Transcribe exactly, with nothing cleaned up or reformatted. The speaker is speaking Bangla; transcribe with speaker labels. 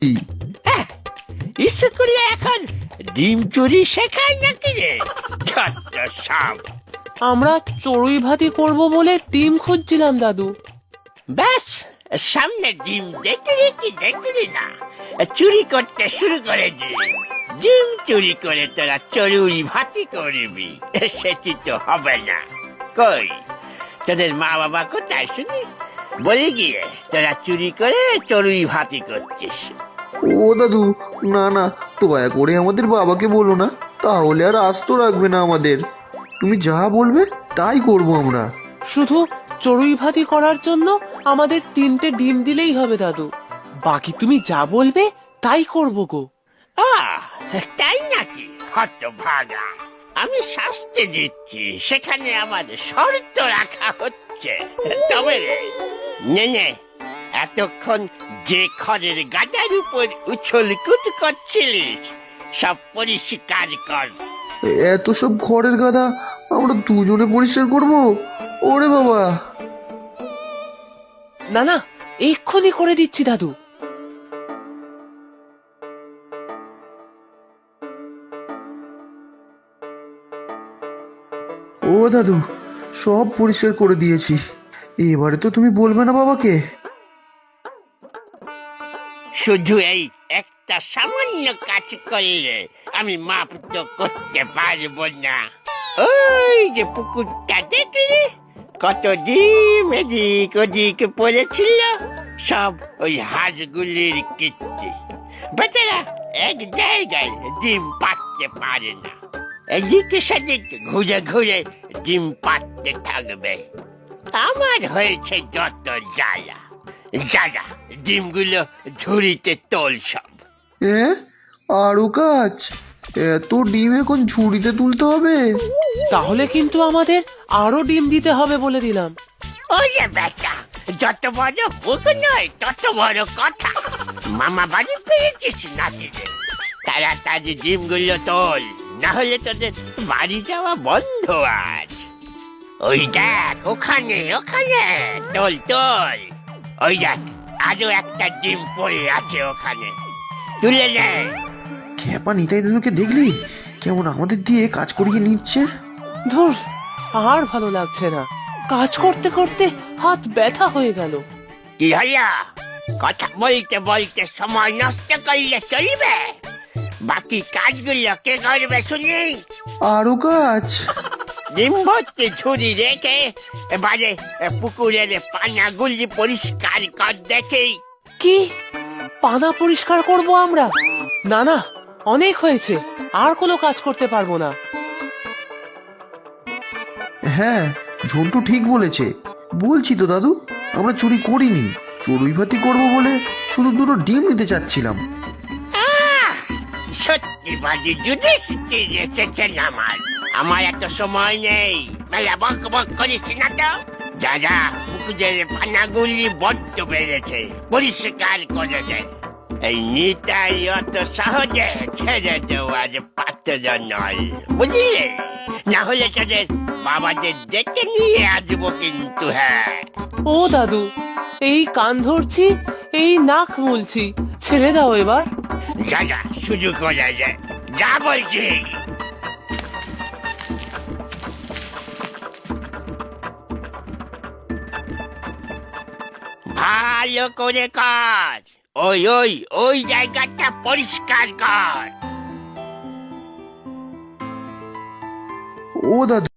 Speaker 1: স্কুলে এখন ডিম চুরি শেখায় নাকি রে? ছোট্ট সব।
Speaker 2: আমরা চড়ুই ভাতি করব বলে ডিম খুঁজছিলাম দাদু।
Speaker 1: ব্যাস, সামনে ডিম দেখলি কি দেখলি না, চুরি করতে শুরু করে দিলি। ডিম চুরি করে তোরা চড়ুই ভাতি করবি, সেটি তো হবে না। কই তোদের মা বাবা কোথায় শুনি? বলি গিয়ে তোরা চুরি করে চড়ুই ভাতি করছিস।
Speaker 3: ও দাদু, না না, দয়া করে আমাদের বাবাকে বলো না, তাহলে আর আস্ত রাখবে না আমাদের। তুমি যা বলবে তাই করব আমরা।
Speaker 2: শুধু চড়ুই ভাতি করার জন্য আমাদের তিনটে ডিম দিলেই হবে দাদু, বাকি তুমি যা বলবে তাই করব গো।
Speaker 1: আহ, তাই নাকি? হত ভাগা, আমি শাস্তি দিচ্ছি, সেখানে আমার শর্ত রাখা হচ্ছে। তবে রে, নে নে, এতক্ষণ যে খড়ের গাদার উপর উছল কুদ করছিলিস, সব পরিষ্কার কর।
Speaker 3: এত সব খড়ের গাদা আমরা দুজনে পরিষ্কার করব? ওরে বাবা!
Speaker 2: না না, এক্ষুনি করে দিচ্ছি দাদু।
Speaker 3: ও দাদু, সব পরিষ্কার করে দিয়েছি। এবারে তো তুমি বলবে না বাবাকে?
Speaker 1: শুধু এই একটা সামান্য কাজ করলে আমি মাপ তো করতে পারবো না। ওই যে পুকুরটা দেখলি, কত ডিম এদিক ওদিক পড়েছিল, সব ওই হাঁসগুলির কীর্তি। বেচারা এক জায়গায় ডিম পাড়তে পারে না, এদিকে সেদিক ঘুরে ঘুরে ডিম পাড়তে থাকবে। আমার হয়েছে যত জ্বালা। দাদা, ডিমগুলো ঝুড়িতে তোল সব।
Speaker 3: হ্যাঁ, আরো কাজ? এত ডিম এখন ঝুড়িতে তুলতে হবে?
Speaker 2: তাহলে কিন্তু আমাদের আরো ডিম দিতে হবে বলে দিলাম।
Speaker 1: ওরে বেটা, যত বড় মুখ নয় তত বড় কথা। মামা বাড়ি পেয়েছিস নাকি রে? তাড়াতাড়ি ডিমগুলো তোল, না হলে তোদের বাড়ি যাওয়া বন্ধ আজ। ওই দেখ, ওখানে ওখানে তোল তোল। ওই দেখ, আরো একটা ডিম পড়ে আছে ওখানে, তুলে নে।
Speaker 3: খেপা নিতাই দাদুকে দেখলি কেমন আমাদের দিয়ে কাজ করিয়ে নিচ্ছে?
Speaker 2: ধুর, আর ভালো লাগছে না, কাজ করতে করতে হাত ব্যথা হয়ে গেল।
Speaker 1: কি হলো? কথা বলতে বলতে সময় নষ্ট করলে চলবে? বাকি কাজগুলো কে করবে শুনি?
Speaker 3: আরো কাজ?
Speaker 1: ডিম ভর্তি ঝুড়ি রেখে এবারে পুকুরের পানাগুলি পরিষ্কার কর দেখি।
Speaker 2: কি পানা পরিষ্কার করব আমরা? না না, অনেক হয়েছে, আর কোনো কাজ করতে পারবো না।
Speaker 3: হ্যাঁ, ঝন্টু ঠিক বলেছে। বলছি তো দাদু, আমরা চুরি করিনি, চড়ুই ভাতি করবো বলে শুধু দুটো ডিম নিতে চাচ্ছিলাম।
Speaker 1: আহ, সত্যি বাজি যুধিষ্ঠির এসেছেন আমার। আমার এত সময় নেই, মেলা বক বক করিস না তো। যা যা, পুকুরের পানাগুলি বড্ড বেড়েছে, পরিষ্কার করে দে। এই নিতাই অত সহজে ছেড়ে দেওয়ার পাত্র নয়, বুঝলে? না হলে তোদের বাবাদের ডেকে নিয়ে আসবো কিন্তু। হ্যাঁ
Speaker 2: ও দাদু, এই কান ধরছি, এই নাক মুলছি, ছেড়ে দাও এবার।
Speaker 1: যা যা, শুরু করা যায়, যা বলছি। ভালো করে কাজ, ওই ওই ওই জায়গাটা পরিষ্কার কর।
Speaker 3: ও দাদু,